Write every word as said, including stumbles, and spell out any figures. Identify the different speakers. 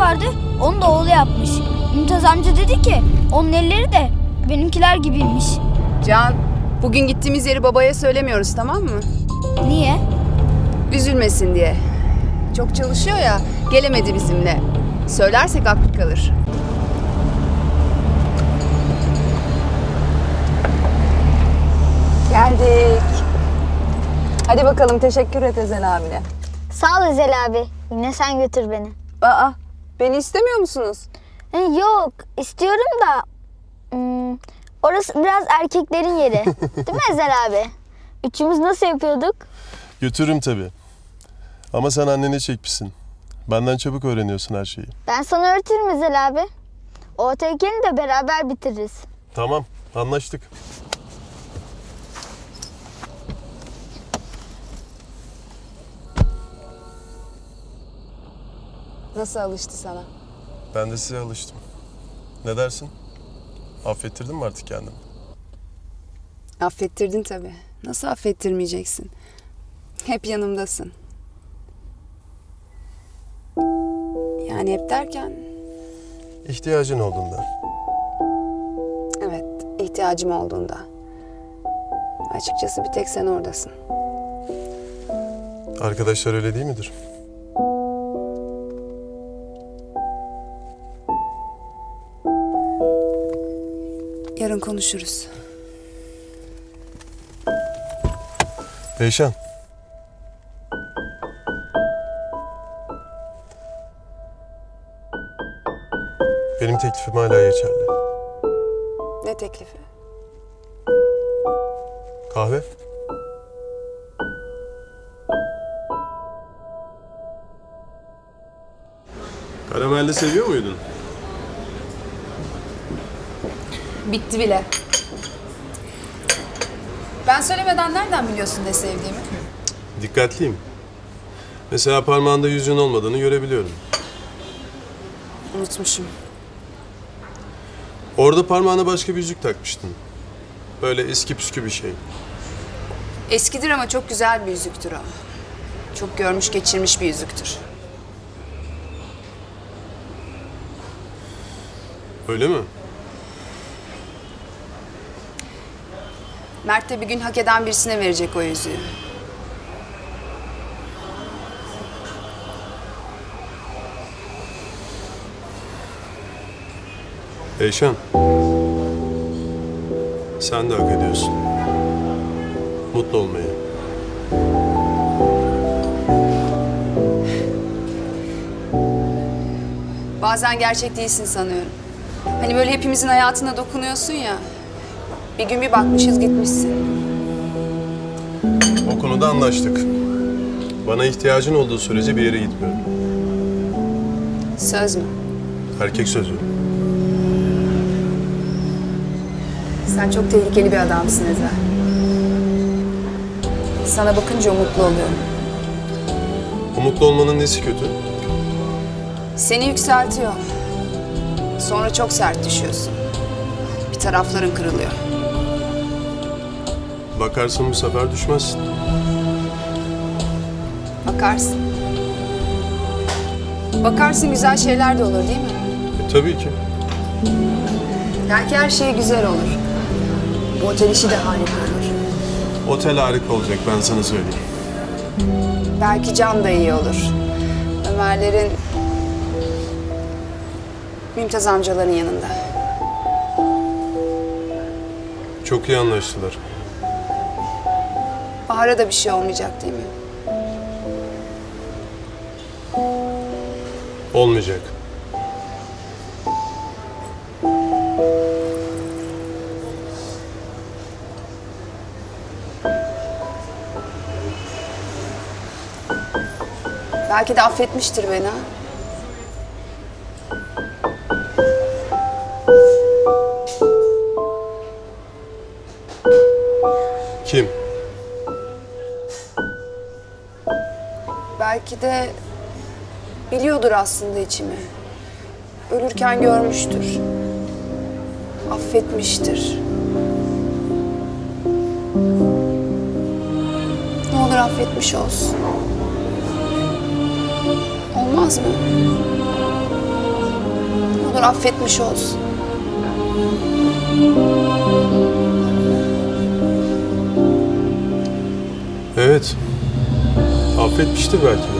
Speaker 1: vardı, onu da oğlu yapmış. Mümtaz amca dedi ki onun elleri de benimkiler gibiymiş.
Speaker 2: Can, bugün gittiğimiz yeri babaya söylemiyoruz, tamam mı?
Speaker 1: Niye?
Speaker 2: Üzülmesin diye. Çok çalışıyor ya, gelemedi bizimle. Söylersek aklı kalır. Geldik. Hadi bakalım, teşekkür et Ezel abine.
Speaker 3: Sağ ol Ezel abi. Yine sen götür beni.
Speaker 2: Aa, beni istemiyor musunuz?
Speaker 3: E, yok istiyorum da hmm, orası biraz erkeklerin yeri. Değil mi Ezel abi? Üçümüz nasıl yapıyorduk?
Speaker 4: Götürürüm tabii. Ama sen annene çekmişsin. Benden çabuk öğreniyorsun her şeyi.
Speaker 3: Ben sana öğretirim Ezel abi. O tehlikeni de beraber bitiririz.
Speaker 4: Tamam, anlaştık.
Speaker 2: Nasıl alıştı sana?
Speaker 4: Ben de size alıştım. Ne dersin? Affettirdin mi artık kendini?
Speaker 2: Affettirdin tabii. Nasıl affettirmeyeceksin? Hep yanımdasın. Yani hep derken,
Speaker 4: İhtiyacın olduğunda.
Speaker 2: evet, ihtiyacım olduğunda. Açıkçası bir tek sen oradasın.
Speaker 4: Arkadaşlar öyle değil midir?
Speaker 2: Yarın konuşuruz.
Speaker 4: Eyşan. Benim teklifim hala geçerli.
Speaker 2: Ne teklifi?
Speaker 4: Kahve? Karamelli seviyor muydun?
Speaker 2: Bitti bile. Ben söylemeden nereden biliyorsun ne sevdiğimi?
Speaker 4: Dikkatliyim. Mesela parmağında yüzüğün olmadığını görebiliyorum.
Speaker 2: Unutmuşum.
Speaker 4: Orada parmağına başka bir yüzük takmıştın. Böyle eski püskü bir şey.
Speaker 2: Eskidir ama çok güzel bir yüzüktür o. Çok görmüş geçirmiş bir yüzüktür.
Speaker 4: Öyle mi?
Speaker 2: Mert de bir gün hak eden birisine verecek o yüzüğü.
Speaker 4: Eyşan. Sen de hak ediyorsun. Mutlu olmayı.
Speaker 2: Bazen gerçek değilsin sanıyorum. Hani böyle hepimizin hayatına dokunuyorsun ya. Bir gün bir bakmışız gitmişsin.
Speaker 4: O konuda anlaştık. Bana ihtiyacın olduğu sürece bir yere gitmiyorum.
Speaker 2: Söz mü?
Speaker 4: Erkek sözü.
Speaker 2: Sen çok tehlikeli bir adamsın Ezel. Sana bakınca umutlu oluyorum.
Speaker 4: Umutlu olmanın nesi kötü?
Speaker 2: Seni yükseltiyor. Sonra çok sert düşüyorsun. Bir tarafların kırılıyor.
Speaker 4: Bakarsın bu sefer düşmezsin.
Speaker 2: Bakarsın. Bakarsın güzel şeyler de olur değil mi?
Speaker 4: E, tabii ki.
Speaker 2: Belki her şey güzel olur. Bu otel işi de harika olur.
Speaker 4: Otel harika olacak, ben sana söyleyeyim.
Speaker 2: Belki Can da iyi olur. Ömerlerin, Mümtaz amcaların yanında.
Speaker 4: Çok iyi anlaştılar.
Speaker 2: Bahar'a da bir şey olmayacak değil mi?
Speaker 4: Olmayacak.
Speaker 2: Belki de affetmiştir beni ha.
Speaker 4: Kim?
Speaker 2: Belki de biliyordur aslında içimi. Ölürken görmüştür. Affetmiştir. Ne olur affetmiş olsun. Olmaz mı? olur affetmiş olsun.
Speaker 4: Evet. Affetmiştir belki de.